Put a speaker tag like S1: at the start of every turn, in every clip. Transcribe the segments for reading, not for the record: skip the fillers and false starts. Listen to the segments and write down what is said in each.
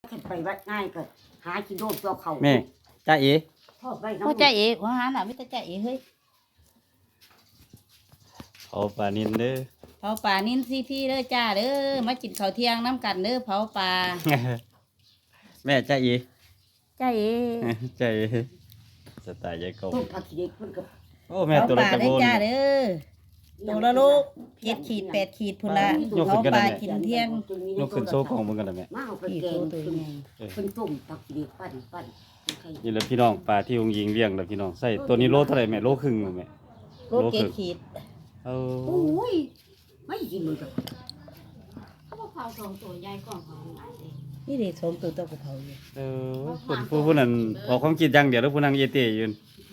S1: ขึ้นไปวัดง่ายก็หากินโดนตัวเขา
S2: แม่จ้าเอ๋
S1: ทอดไว้น้ำ
S3: พ่อจ่าเอ๋ว่าหาน่ะไม่แต่จ่าเอ๋เฮ้ย
S2: เอาปลานินเด้อ
S3: เผาป่านินซีพี่เด้อจ้าเด้อมากินข้าวเที่ยงน้ำกันเด้อเผาป่า
S2: แม่จ้าเอ๋
S3: จ่าเอ๋
S2: จ้าเอ๋สไตล์ยายกบ
S1: ต้มผักขี้เด็กมันก็
S2: โอ้แม่
S3: เผา
S2: ตัวละ
S3: ป่า
S2: ตะ
S3: เด้
S2: โก
S3: อน จ้าเด้อตัวละลูก7 ขีด 8 ขีดพุ่นละ
S2: ยกขึ้
S3: เผาน
S2: กันได้
S3: ป่า
S2: ไหม
S3: กินเที่ยง
S2: ยกขึ้นโซ่ของมึงกันได้แม่
S1: มาเอาไป
S3: พี่
S1: แกง
S3: ตัว
S1: เป็น
S3: ใหญ่
S1: เป็นต้มผักขี้เด็กปั้นใคร
S2: นี่แหละพี่น้องปลาที่องค์ยิงเลี้ยงแล้วพี่น้องใส่ตัวนี้โลเท่าไหร่แม่โลครึ่งแม่
S3: โลก7 ขีด
S2: เอา
S1: โอ้ยไม่กินเลยจ้ะ
S4: เขาบอกเขาสองตัวใหญ่กว่าเขาหลายเลย
S3: นี่เด็กสมตัวกระเพราอยู่
S2: เออผู้นั้นออกความคิดอย่างเดียวแล้วผู้นั้นเยเตยืน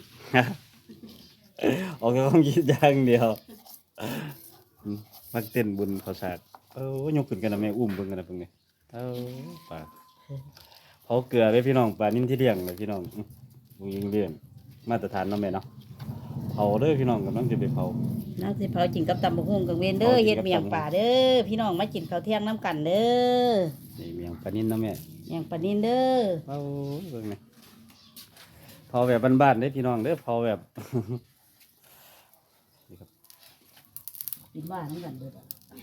S2: ออกความคิดอย่างเดียวมักเต้นบุญเขาสากยกขึ้นกันนะแม่อุ้มเบิ่งกันนะเพิ่งนี่ปลาเผาเกลือเลยพี่น้องปลานิ่มที่เลี้ยงเลยพี่น้ององค์ยิงเลี้ยงมาตรฐานเนาะแม่เนาะเผาเด้อพี่น้องกำลังจะไปเผา
S3: น้าสิเผากินกับตำบักหุ่งกับเวนเด้อ
S2: เผากินกับ
S3: เฮ็ดเมียงป่าเด้อพี่น้องมากินข้าวเที่ยงน้ำกันเด้อ
S2: นี่เมียงปลานิ่มเนาะแม่
S3: เมียงปลานินเด้อ
S2: เบิ่งนี่เผาแบบบ้านๆเด้อพี่น้องเด้อเผาแบบ นี่ครับ
S3: กินว่าน้ำกันเด้อ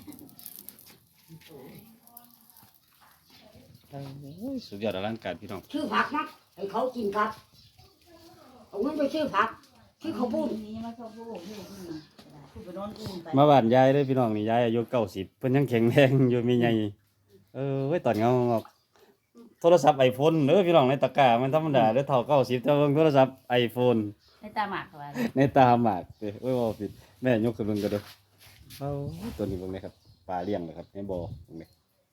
S2: สุดยอดอลังการพี่น้อง
S1: ชื่อผักนะให้เขากินผักเอาเงินไปชื่อผักชื่อเขาวปุ้น
S3: นี่มาเข้าผู้ผู้ไปนอนอุ้มไป
S2: มาบ้านยายเด้อพี่น้องนี่ยายอายุ90เพิ่นยังแข็งแรงอยู่มีใหญ่ไว้ตอนเงาออกโทรศัพท์ iPhone เด้อพี่น้องในตะกร้ามันธรรมดาเด้อเท่า90แต่ว่าโทรศัพท์ iPhone
S3: ในตาหมากว่า
S2: ในตาหมากเด้อโอ้ยบ่ผิดแม่ยกขึ้นเบิ่งก็เด้อตัวนี้เบิ่งเลยครับปลาเลี้ยงเลยครับในบ่อเบิ่งเลย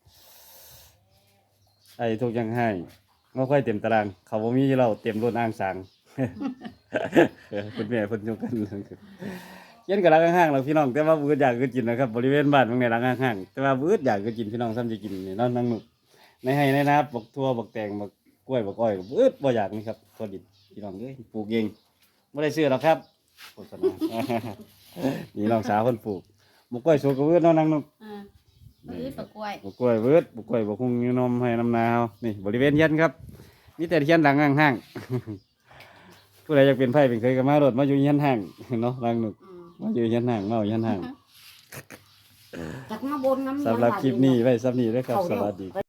S2: ไอ้ทุกอย่างให้บ่ค่อยเต็มตารางเขาบ่มีเราเต็มรถอ้างสาง คุณแม่เพิ่นยกกันเย็นกับร้านข้างๆเราพี่น้องแต่ว่าบื้ออยากก็กินนะครับบริเวณบ้านตรงไหนร้านข้างๆแต่ว่าบื้ออยากก็กินพี่น้องซ้ำจะกินนี่นอนนั่งหนุกในให้ในนาบักทั่วบักแตงบักกล้วยบักอ้อยบื้อบ่อยากนี่ครับตัวดิบพี่น้องเอ้ยปลูกเองไม่ได้ซื้อหรอกครับโฆษณา นี่น้องสาวคนปลูกบักกล้วยสุกก็บื้อนอนนั่งหนุก
S3: ซื้อปลากล้วย
S2: บักกล้วยบื้อบักกล้วยบักหุ่งยูนมให้น้ำนาเฮานี่บริเวณเย็นครับมีแต่เทียนดังห้างๆผู้ใดอยากเป็นไผ่เป็นเคยก็มารถมาอยู่เฮียนห้างเนาะนั่งหนุกมาอยู่เฮียนห้างมาอยู่เฮียนห้าง
S1: จากมาบนน้ำ
S2: สำหรับคลิปนี้ไว้สำนี้ด้วยครับ สวัสดี